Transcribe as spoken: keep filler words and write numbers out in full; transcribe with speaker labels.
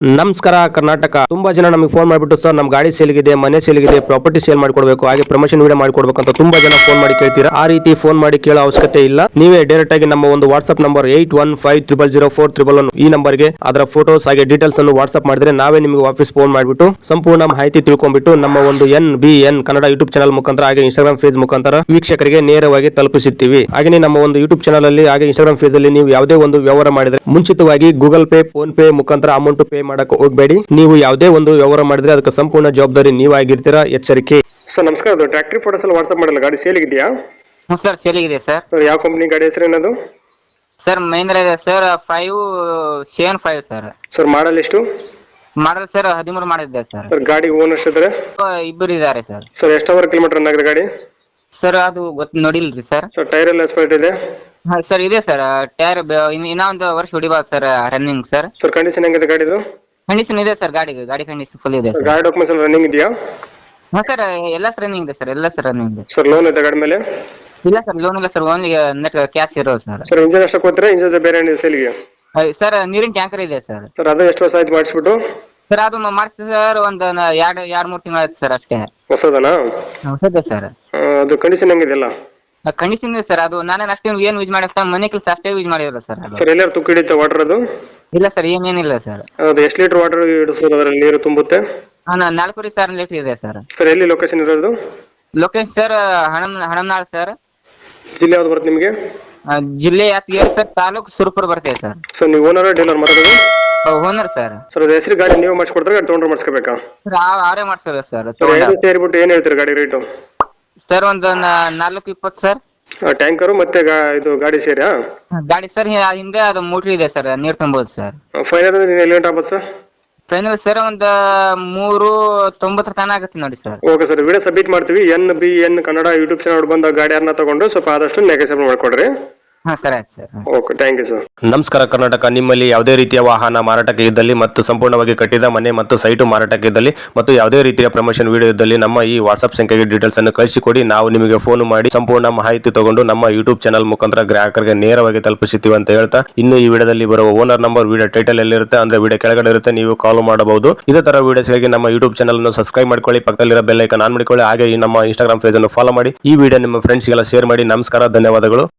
Speaker 1: ನಮಸ್ಕಾರ ಕರ್ನಾಟಕ. ತುಂಬಾ ಜನ ನಮಗೆ ಫೋನ್ ಮಾಡಿಬಿಟ್ಟು ಸರ್ ನಮ್ಮ ಗಾಡಿ ಸೇಲ್ಗಿದೆ, ಮನೆ ಸೇಲ್ಗಿದೆ, ಪ್ರಾಪರ್ಟಿ ಸೇಲ್ ಮಾಡಿಕೊಡ್ಬೇಕು, ಹಾಗೆ ಪ್ರಮೋಷನ್ ವಿಡಿಯೋ ಮಾಡಿಕೊಡ್ಬೇಕು ಅಂತ ತುಂಬಾ ಜನ ಫೋನ್ ಮಾಡಿ ಕೇಳ್ತೀರಾ. ಆ ರೀತಿ ಫೋನ್ ಮಾಡಿ ಕೇಳೋ ಅವಶ್ಯಕತೆ ಇಲ್ಲ. ನೀವೇ ಡೈರೆಕ್ಟ್ ಆಗಿ ನಮ್ಮ ಒಂದು WhatsApp number eight one five triple zero four triple one ಈ ನಂಬರ್ಗೆ ಅದರ ಫೋಟೋಸ್ ಹಾಗೆ ಡೀಟೇಲ್ಸ್ ಅನ್ನು ವಾಟ್ಸ್ಆಪ್ ಮಾಡಿದ್ರೆ ನಾವೇ ನಿಮಗೆ ವಾಪಸ್ ಫೋನ್ ಮಾಡಿಬಿಟ್ಟು ಸಂಪೂರ್ಣ ಮಾಹಿತಿ ತಿಳ್ಕೊಂಡ್ಬಿಟ್ಟು ನಮ್ಮ ಒಂದು N B N Kannada YouTube channel ಮುಖಾಂತರ ಹಾಗೆ ಇನ್ಸ್ಟಾಗ್ರಾಮ್ ಫೇಸ್ ಮುಖಾಂತರ ವೀಕ್ಷಕರಿಗೆ ನೇರವಾಗಿ ತಲುಪಿಸುತ್ತೀವಿ. ಹಾಗೆ ನಮ್ಮ ಒಂದು ಯೂಟ್ಯೂಬ್ ಚಾನಲ್ ಅಲ್ಲಿ ಹಾಗೆ ಇನ್ಸ್ಟಾಗ್ರಾಮ್ ಫೇಸ್ ಅಲ್ಲಿ ನೀವು ಯಾವುದೇ ಒಂದು ವ್ಯವಹಾರ ಮಾಡಿದ್ರೆ ಮುಂಚಿತವಾಗಿ ಗೂಗಲ್ ಪೇ, ಫೋನ್ ಪೇ ಮುಖಾಂತರ ಅಮೌಂಟ್ ಪೇ ಮಾಡಕ್ಕೆ ಹೋಗಬೇಡಿ. ನೀವು ಯಾವುದೇ ಒಂದು ವ್ಯವಹಾರ ಮಾಡಿದ್ರೆ ಅದಕ್ಕೆ ಸಂಪೂರ್ಣ ಜವಾಬ್ದಾರಿ ನೀವಾಗಿರ್ತೀರಾ, ಎಚ್ಚರಿಕೆ. ಸರ್ ನಮಸ್ಕಾರ, ಅದು ಟ್ರ್ಯಾಕ್ಟರ್ ಫೋಟೋಸ್ ಎಲ್ಲ ವಾಟ್ಸ್ಆಪ್ ಮಾಡಲ್ಲ, ಗಾಡಿ ಸೇಲ್ ಇದೆಯಾ?
Speaker 2: ಹ್ಞೂ ಸರ್, ಸೇಲಿಗಿದೆ ಸರ್.
Speaker 1: ಸರ್ ಯಾವ ಕಂಪನಿ ಗಾಡಿ ಹೆಸರು ಏನದು?
Speaker 2: ಸರ್ ಮಹೇಂದ್ರ ಇದೆ sir, five seven five sir.
Speaker 1: Sir model ಎಷ್ಟು?
Speaker 2: ಮಾಡಲ್ ಸರ್ ಹದಿಮೂರು ಮಾಡಿದ್ದೆ ಸರ್.
Speaker 1: ಸರ್ ಗಾಡಿ ಓನರ್ಸ್ ಇದ್ದಾರೆ?
Speaker 2: ಇಬ್ಬರು ಇದ್ದಾರೆ ಸರ್.
Speaker 1: ಸರ್ ಎಷ್ಟು ಅವರ್ ಕಿಲೋಮೀಟರ್ ರನ್ ಆಗಿದೆ ಗಾಡಿ?
Speaker 2: ಸರ್ ಅದು ಗೊತ್ತು ನೋಡಿಲ್ರಿ ಸರ್.
Speaker 1: ಸರ್ ಟೈರ್ ಎಲ್ಲ ಎಸ್ಪೆಕ್ಟ್ ಇದೆ?
Speaker 2: ಹಾ ಸರ್ ಇದೆ ಸರ್. ಟೈರ್ ಇನ್ನೂ ಒಂದು ವರ್ಷ ಹೊಡಿಬೋದು sir running sir.
Speaker 1: Sir condition ಹೆಂಗಿದೆ ಗಾಡಿದು?
Speaker 2: ಕಂಡೀಷನ್ ಇದೆ ಸರ್, ಗಾಡಿಗೆ ಗಾಡಿ ಕಂಡೀಷನ್ ಫುಲ್ ಇದೆ ಸರ್.
Speaker 1: ಗಾಡಿ ಡಾಕ್ಯುಮೆಂಟ್ಸ್ ಎಲ್ಲ ರನ್ನಿಂಗ್ ಇದೆಯಾ?
Speaker 2: ಹಾ ಸರ್ ಎಲ್ಲ ಸರ್ ರನ್ನಿಂಗ್ ಇದೆ ಸರ್, ಎಲ್ಲ ಸರ್ ರನ್ನಿಂಗ್ ಇದೆ.
Speaker 1: ಸರ್ ಲೋನ್ ಇದೆ ಗಾಡಿ ಮೇಲೆ?
Speaker 2: ಇಲ್ಲ ಸರ್, ಲೋನ್ ಇಲ್ಲ ಸರ್, ಓನ್ಲಿ ನೆಟ್ ಕ್ಯಾಶ್ ಇರೋದು ಸರ್.
Speaker 1: ಸರ್ ಇಂಜಿನ್ ಅಷ್ಟಕ್ಕೆ ಹೋದ್ರೆ ಇಂಜಿನ್ ಬೇರೆ ಏನಿದೆ ಸೇಲ್ಗೆ?
Speaker 2: ಸರ್ ನೀರಿನ ಟ್ಯಾಂಕರ್ ಇದೆ ಸರ್.
Speaker 1: ಸರ್ ಅದು ಎಷ್ಟು ವರ್ಷ ಆಯ್ತು ಮಾಡಿಸ್ಬಿಟ್ಟು?
Speaker 2: ಸರ್ ಅದು ಮಾಡಿಸಿ ಸರ್ ಒಂದು ಎರಡು ಎರಡು ಮೂರು ತಿಂಗಳು ಆಯ್ತು ಸರ್ ಅಷ್ಟೇ.
Speaker 1: ಹೊಸದನಾ?
Speaker 2: ಹೊಸದೇ ಸರ್.
Speaker 1: ಅದು ಕಂಡೀಷನ್ ಹೆಂಗಿದೆಯಲ್ಲ?
Speaker 2: ಕಂಡೀಷನ್ ಇದೆ ಸರ್. ಅದು ನಾನೇನು ಅಷ್ಟೇ ಏನು ಯೂಸ್ ಮಾಡಿ ಸರ್, ಮನೆ ಕೆಲಸ ಅಷ್ಟೇ ಯೂಸ್ ಮಾಡಿರೋದು ಸರ್. ಅದು
Speaker 1: ಸರ್ ಎಲ್ಲರೂ ತುಕ್ಕು ಹಿಡಿಯುತ್ತೆ ವಾಟರ್ ಅದು?
Speaker 2: ಇಲ್ಲ ಸರ್, ಏನೇನಿಲ್ಲ ಸರ್.
Speaker 1: ಅದು ಎಷ್ಟು ಲೀಟರ್ ವಾಟರ್ ಹಿಡಿಸ್ಬೋದು ಅದರಲ್ಲಿ ನೀರು ತುಂಬುತ್ತೆ?
Speaker 2: ಹಾಂ ನಾಲ್ಕೂವರೆ ಸಾವಿರ ಲೀಟರ್ ಇದೆ ಸರ್.
Speaker 1: ಸರ್ ಎಲ್ಲಿ ಲೊಕೇಶನ್ ಇರೋದು?
Speaker 2: ಲೊಕೇಶನ್ ಸರ್ ಹಣಮ್ ಹಣಮ್ನಾಳ್ ಸರ್.
Speaker 1: ಜಿಲ್ಲೆ ಯಾವ್ದು ಬರುತ್ತೆ ನಿಮಗೆ?
Speaker 2: ಜಿಲ್ಲೆ ಯಾದಗಿರಿ ಸರ್, ತಾಲೂಕು ಸುರಪುರ ಬರ್ತೇವೆ ಸರ್.
Speaker 1: ಸರ್ ನೀವು ಓನರ್ ಡೀಲರ್ ಮಾತಾಡೋದು?
Speaker 2: Owner sir.
Speaker 1: ಸರ್ ಅದು ಹೆಸರು ಗಾಡಿ ನೀವು ಮಾಡಿಸ್ಕೊಡ್ತಾರೆ, ಗಾಡಿ ತೊಗೊಂಡ್ರೆ ಮಾಡಿಸ್ಕೋಬೇಕಾ?
Speaker 2: ಸರ್ ಅವರೇ ಮಾಡ್ಸೋದು ಸರ್.
Speaker 1: ಸೇರಿಬಿಟ್ಟು ಏನು ಹೇಳ್ತೀರಿ ಗಾಡಿ ರೇಟು?
Speaker 2: ಸರ್ ಒಂದು ನಾಲ್ಕು ಇಪ್ಪತ್ತು ಸರ್.
Speaker 1: ಟ್ಯಾಂಕರು ಮತ್ತೆ ಇದು ಗಾಡಿ ಸೇರಿ?
Speaker 2: ಗಾಡಿ ಸರ್ ಹಿಂದೆ ಅದು ಮೋಟ್ರ್ ಇದೆ ಸರ್, ನೀರು ತುಂಬೋದು ಸರ್.
Speaker 1: ಫೈನಲ್ ಎಲ್ಲಿ ಗಂಟೆ ಆಗ್ಬೋದು ಸರ್?
Speaker 2: ಫೈನಲ್ ಸರ್ ಒಂದು ಮೂರು ತೊಂಬತ್ತರ ತನಕ ಆಗುತ್ತೆ ನೋಡಿ sir.
Speaker 1: Okay sir, video submit ಮಾಡ್ತೀವಿ. N B N Kannada YouTube channel ಬಂದ ಗಾಡಿಯನ್ನ ತಗೊಂಡು ಸ್ವಲ್ಪ ಆದಷ್ಟು ನೆಗೆಸೇಬಲ್ ಮಾಡ್ಕೊಡ್ರಿ.
Speaker 2: ಹಾ ಸರ್, ಆಯ್ತು sir.
Speaker 1: Okay, thank you sir. ನಮಸ್ಕಾರ ಕರ್ನಾಟಕ. ನಿಮ್ಮಲ್ಲಿ ಯಾವುದೇ ರೀತಿಯ ವಾಹನ ಮಾರಾಟಕ್ಕೆ ಇದ್ದಲ್ಲಿ ಮತ್ತು ಸಂಪೂರ್ಣವಾಗಿ ಕಟ್ಟಿದ ಮನೆ ಮತ್ತು ಸೈಟು ಮಾರಾಟಕ್ಕೆ ಇದ್ದಲ್ಲಿ ಮತ್ತು ಯಾವುದೇ ರೀತಿಯ ಪ್ರಮೋಷನ್ ವಿಡಿಯೋ ಇದ್ದಲ್ಲಿ ನಮ್ಮ ಈ ವಾಟ್ಸ್ಆಪ್ ಸಂಖ್ಯೆಗೆ ಡೀಟೇಲ್ಸ್ ಅನ್ನು ಕಳಿಸಿಕೊಡಿ. ನಾವು ನಿಮಗೆ ಫೋನ್ ಮಾಡಿ ಸಂಪೂರ್ಣ ಮಾಹಿತಿ ತಗೊಂಡು ನಮ್ಮ ಯೂಟ್ಯೂಬ್ ಚಾನಲ್ ಮುಖಾಂತರ ಗ್ರಾಹಕರಿಗೆ ನೇರವಾಗಿ ತಲುಪಿಸುತ್ತೀವಿ ಅಂತ ಹೇಳ್ತಾ, ಇನ್ನು ಈ ವಿಡಿಯೋದಲ್ಲಿ ಬರುವ ಓನರ್ ನಂಬರ್ ವಿಡಿಯೋ ಟೈಟಲ್ ಎಲ್ಲಿರುತ್ತೆ ಅಂದ್ರೆ ವಿಡಿಯೋ ಕೆಳಗಡೆ ಇರುತ್ತೆ, ನೀವು ಕಾಲ್ ಮಾಡಬಹುದು. ಇದೇ ತರ ವಿಡಿಯೋಸ್ಗಾಗಿ ನಮ್ಮ ಯೂಟ್ಯೂಬ್ ಚಾನಲ್ ಅನ್ನು ಸಬ್ಸ್ಕ್ರೈಬ್ ಮಾಡ್ಕೊಳ್ಳಿ, ಪಕ್ಕದಲ್ಲಿರೋ ಬೆಲ್ ಐಕಾನ್ ಆನ್ ಮಾಡಿಕೊಳ್ಳಿ, ಹಾಗೆ ಈ ನಮ್ಮ ಇನ್ಸ್ಟಾಗ್ರಾಮ್ ಪೇಜ್ ಅನ್ನು ಫಾಲೋ ಮಾಡಿ. ಈ ವಿಡಿಯೋ ನಿಮ್ಮ ಫ್ರೆಂಡ್ಸ್ಗೆಲ್ಲ ಶೇರ್ ಮಾಡಿ. ನಮಸ್ಕಾರ, ಧನ್ಯವಾದಗಳು.